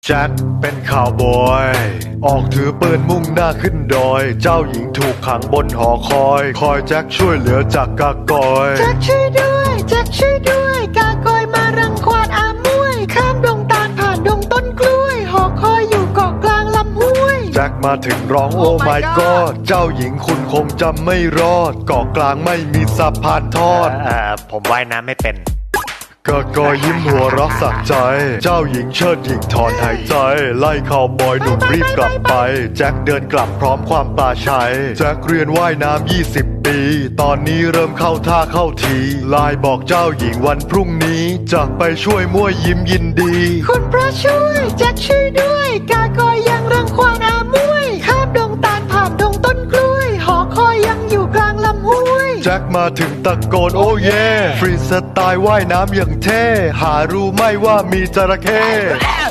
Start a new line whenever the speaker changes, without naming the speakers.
แจ็คเป็นข่าวบอยออกถือปืนมุ่งหน้าขึ้นดอยเจ้าหญิงถูกขังบนหอคอยแจ็คช่วยเหลือจากกากอย
แจ็คช่วยด้วยแจ็คช่วยด้วยกากอยมารังควานอามวยข้ามดงตาลผ่านดงต้นกล้วยหอคอยอยู่เกาะกลางลำห้วย
แจ็คมาถึงร้องโอ้ my god เจ้าหญิงคุณคงจำไม่รอดเกาะกลางไม่มีสะพานทอด
ผมว่ายน้ำไม่เป็น
กากอยยิ้มหัวเรักสักใจเจ้าหญิงเชิดหญิงถอนหายใจไล่ข่าวบอยหนุ่มรีบกลับไปแจ็คเดินกลับพร้อมความปลาชัยแจ็คเรียนว่ายน้ำ20 ปีตอนนี้เริ่มเข้าท่าเข้าทีไลน์บอกเจ้าหญิงวันพรุ่งนี้จะไปช่วยมั่วยิ้มยินดี
คุณพระช่วยแจ็คช่วยด้วยกากอยยังรังควานอามวยข้ามดงตาลผ่านดงต้นกล้วยหอคอยยังอยู่กลางลำห้วย
แจ็คมาถึงตะโกนโอ้เย่ฟรีสไตล์ว่ายน้ำอย่างเท่หารู้ไหม่ว่ามีจระเข้